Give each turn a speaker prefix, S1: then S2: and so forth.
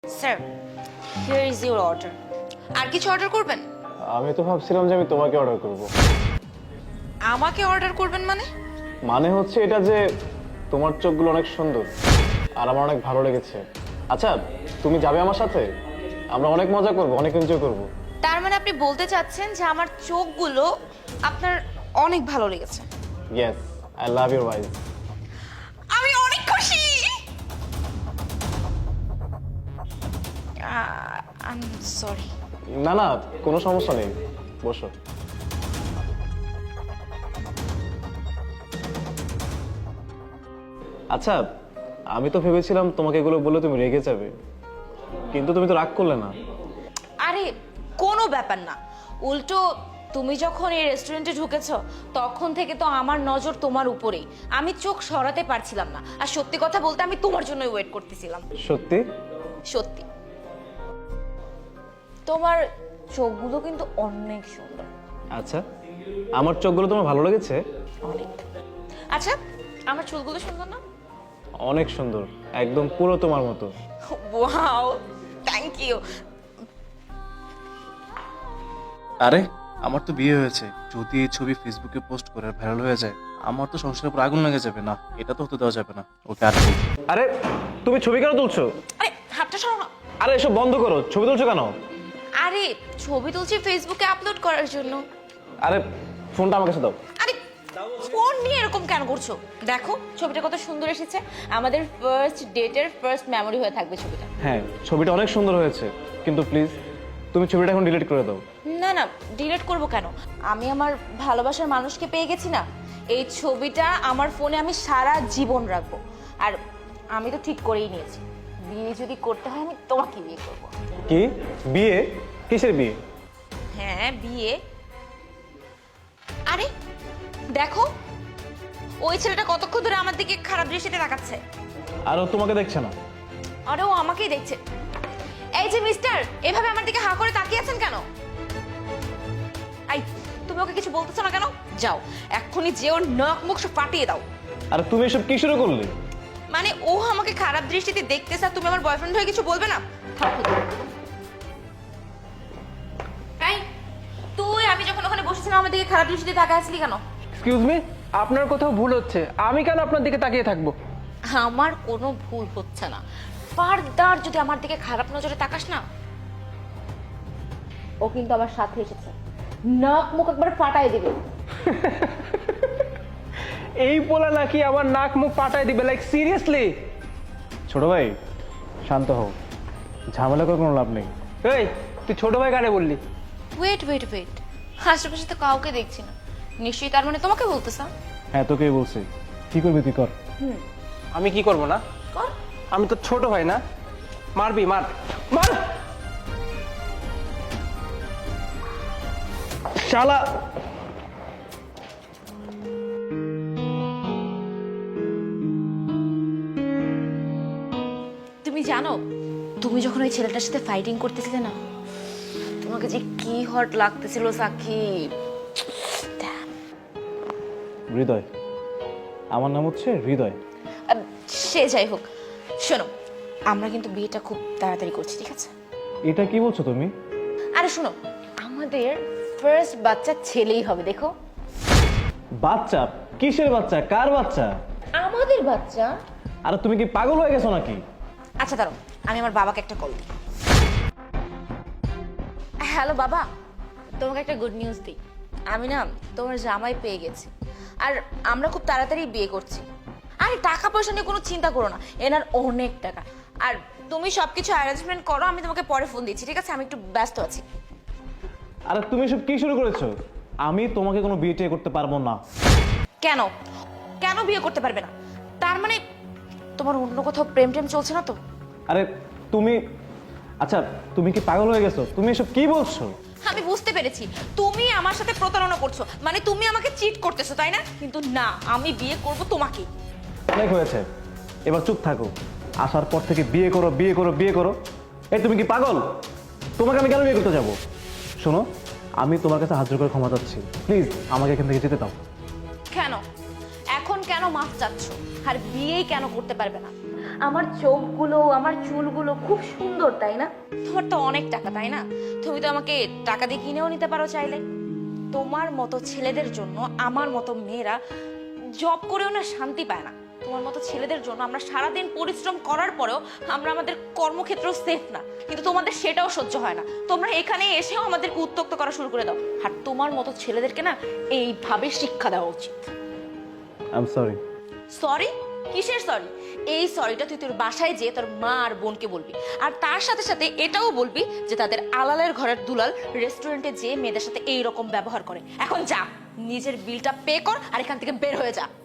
S1: Sir, here is your order. আর কিছু order করবেন?
S2: আমি তো ভাবছিলাম যে আমি তোমাকে অর্ডার করব।
S1: আমাকে অর্ডার করবেন মানে?
S2: মানে হচ্ছে এটা যে তোমার চোখগুলো অনেক সুন্দর আর আমার অনেক ভালো লেগেছে। আচ্ছা, তুমি যাবে আমার সাথে? আমরা অনেক মজা করব, অনেক এনজয় করব।
S1: তার মানে আপনি বলতে চাচ্ছেন যে আমার চোখগুলো আপনার অনেক ভালো লেগেছে?
S2: Yes, I love your eyes.
S1: আমি অনেক খুশি। I am sorry.
S2: না না, কোনো সমস্যা নেই, বসো। আচ্ছা, আমি তো ভেবেছিলাম তোমাকে এগুলো বলে তুমি রেগে যাবে, কিন্তু তুমি তো রাগ করলে না।
S1: আরে কোনো ব্যাপার না, উল্টো তুমি যখন এই রেস্টুরেন্টে ঢুকেছো তখন থেকে তো আমার নজর তোমার উপরেই। আমি চোখ সরাতে পারছিলাম না, আর সত্যি কথা বলতে আমি তোমার জন্যই ওয়েট করতেছিলাম।
S2: সত্যি?
S1: সত্যি তোমার চোখগুলো কিন্তু অনেক সুন্দর।
S2: আচ্ছা, আমার চোখগুলো তোমার ভালো লেগেছে?
S1: অনেক। আচ্ছা, আমার চুলগুলো সুন্দর না?
S2: অনেক সুন্দর, একদম পুরো তোমার মতো।
S1: Wow, thank you.
S3: আরে আমার তো বিয়ে হয়েছে, যদি এই ছবি ফেসবুকে পোস্ট করে ভাইরাল হয়ে যায় আমার তো সংসারের উপর আগুন লেগে যাবে। না, এটা তো হতে দেওয়া যাবে না। ওকে আর কি?
S2: আরে তুমি ছবি কেন তুলছো?
S1: আরে হাতটা সরাও না।
S2: আরে এসব বন্ধ করো, ছবি তুলছো কেন?
S1: আরে ছবি তুলছি ফেসবুকে আপলোড করার জন্য।
S2: আরে ফোনটা আমার কাছে দাও।
S1: আরে ফোন নিয়ে এরকম কেন করছো? দেখো ছবিটা কত সুন্দর এসেছে, আমাদের ফার্স্ট ডেটের ফার্স্ট মেমরি হয়ে থাকবে ছবিটা।
S2: হ্যাঁ, ছবিটা অনেক সুন্দর হয়েছে, কিন্তু প্লিজ তুমি ছবিটা এখন ডিলিট করে দাও।
S1: না না, ডিলিট করব কেন? আমি আমার ভালোবাসার মানুষকে পেয়ে গেছি না। এই ছবিটা আমার ফোনে আমি সারা জীবন রাখবো। আর আমি তো ঠিক করেই নিয়েছি, বিয়ে যদি করতে হয় আমি তোমাকে বিয়ে করব।
S2: কি বিয়ে? কিসের বিয়ে?
S1: হ্যাঁ বিয়ে। আরে দেখো, ওই ছেলেটা কতক্ষণ ধরে আমার দিকে খারাপ দৃষ্টিতে তাকাচ্ছে।
S2: আর ও তোমাকে দেখছে না?
S1: আরে ও আমাকেই দেখছে। এই যে মিস্টার, এভাবে আমার দিকে হা করে তাকিয়ে আছেন কেন? আই, তুমি ওকে কিছু বলতেছো না কেন? যাও এক্ষুনি যে ওর নাক মুখ সব ফাটিয়ে দাও।
S2: আর তুমি এসব কি শুরু করলে?
S1: মানে ও আমাকে খারাপ দৃষ্টিতে দেখতেছে আর তুমি আমার বয়ফ্রেন্ড হয়ে কিছু বলবে না? থামো। এই, তুই আমি যখন ওখানে বসেছিলাম আমার দিকে খারাপ দৃষ্টিতে তাকায় আছিলি কেন?
S4: এক্সকিউজ মি, আপনার কোথাও ভুল হচ্ছে। আমি কেন আপনার দিকে তাকিয়ে থাকবো?
S1: আমার কোনো ভুল হচ্ছে না। ফারদার যদি আমার দিকে খারাপ নজরে তাকাস না, ও কিন্তু আমার সাথে এসেছে, নাক মুখ একবার ফাটাই দিবে।
S4: এই পোলা নাকি আমার নাক মুখ পাঠায় দিবে? Like seriously?
S2: ছোট ভাই, শান্ত হও, ঝামেলা করে কোনো লাভ নেই।
S4: এই তুই ছোট ভাই কারে বললি?
S1: ওয়েট ওয়েট ওয়েট, আশেপাশে তো কাউকে দেখছি না, নিশ্চয়ই তার মানে তোমাকে বলতেছ।
S2: হ্যাঁ, তোকেই বলছি। কি করবি তুই কর।
S4: আমি কি করব না?
S1: কর।
S4: আমি তো ছোট ভাই না? মারবি, মার মার। শালা।
S1: তুমি জানো, তুমি যখন ওই ছেলেটার সাথে ফাইটিং করতেছিলে না, তোমাকে যে কি হট লাগতেছিল সাকিব।
S2: হৃদয়, আমার নাম হচ্ছে হৃদয়।
S1: সে যাই হোক, শোনো, আমরা কিন্তু বিয়েটা খুব তাড়াতাড়ি করছি, ঠিক আছে?
S2: এটা কি বলছো তুমি?
S1: আরে শোনো, আমাদের ফার্স্ট বাচ্চা ছেলেই হবে, দেখো।
S2: বাচ্চা? কিসের বাচ্চা? কার বাচ্চা?
S1: আমাদের বাচ্চা।
S2: আরে তুমি কি পাগল হয়ে গেছো নাকি?
S1: আচ্ছা দাঁড়াও, আমি আমার বাবাকে একটা কল দিই। হ্যালো বাবা, তোমাকে একটা গুড নিউজ দিই। আমি না তোমার জামাই পেয়ে গেছি, আর আমরা খুব তাড়াতাড়ি বিয়ে করছি। আরে টাকা পয়সা নিয়ে কোনো চিন্তা করো না, এনার অনেক টাকা। আর তুমি সবকিছু অ্যারেঞ্জমেন্ট করো, আমি তোমাকে পরে ফোন দিচ্ছি, ঠিক আছে? আমি একটু ব্যস্ত আছি।
S2: আরে তুমি সব কি শুরু করেছো? আমি তোমাকে কোনো বিয়ে টিয়ে করতে পারবো না।
S1: কেন কেন বিয়ে করতে পারবে না? তার মানে তোমার অন্য কোথাও প্রেম টেম চলছে না তো?
S2: আরে তুমি, আচ্ছা তুমি কি পাগল হয়ে গেছো? তুমি এসব কি বলছো?
S1: আমি বুঝতে পেরেছি, তুমি আমার সাথে প্রতারণা করছো, মানে তুমি আমাকে চিট করতেছো, তাই না? কিন্তু না, আমি বিয়ে করব তোমাকে।
S2: অনেক হয়েছে, এবার চুপ থাকো। আসার পর থেকে বিয়ে করো বিয়ে করো বিয়ে করো। এই তুমি কি পাগল? তোমাকে আমি কেন বিয়ে করতে যাবো? শোনো, আমি তোমার কাছে হাত জোড় করে ক্ষমা চাচ্ছি, প্লিজ আমাকে এখান থেকে যেতে দাও।
S1: কেন এখন কেন মাফ চাচ্ছ? আর বিয়েই কেন করতে পারবে না? আমার চোখগুলো আমার চুলগুলো খুব সুন্দর তাই না? তোমার তো অনেক টাকা তাই না? তুমি তো আমাকে টাকা দিয়ে কিনেও নিতে পারো চাইলে। তোমার মতো ছেলেদের জন্য আমার মতো মেয়েরা জব করেও না শান্তি পায় না। তোমার মতো ছেলেদের জন্য আমরা সারাদিন পরিশ্রম করার পরেও আমরা আমাদের কর্মক্ষেত্র সেফ না, কিন্তু তোমাদের সেটাও সহ্য হয় না। তোমরা এখানে এসেও আমাদেরকে উত্ত্যক্ত করা শুরু করে দাও। আর তোমার মতো ছেলেদেরকে না এইভাবে শিক্ষা দেওয়া উচিত।
S2: I am sorry.
S1: সরি? কিসের সরি? এই সরিটা তুই তোর বাসায় যেয়ে তোর মা আর বোনকে বলবি, আর তার সাথে সাথে এটাও বলবি যে তাদের আলালের ঘরের দুলাল রেস্টুরেন্টে যেয়ে মেয়েদের সাথে এই রকম ব্যবহার করে। এখন যা, নিজের বিলটা পে কর আর এখান থেকে বের হয়ে যা।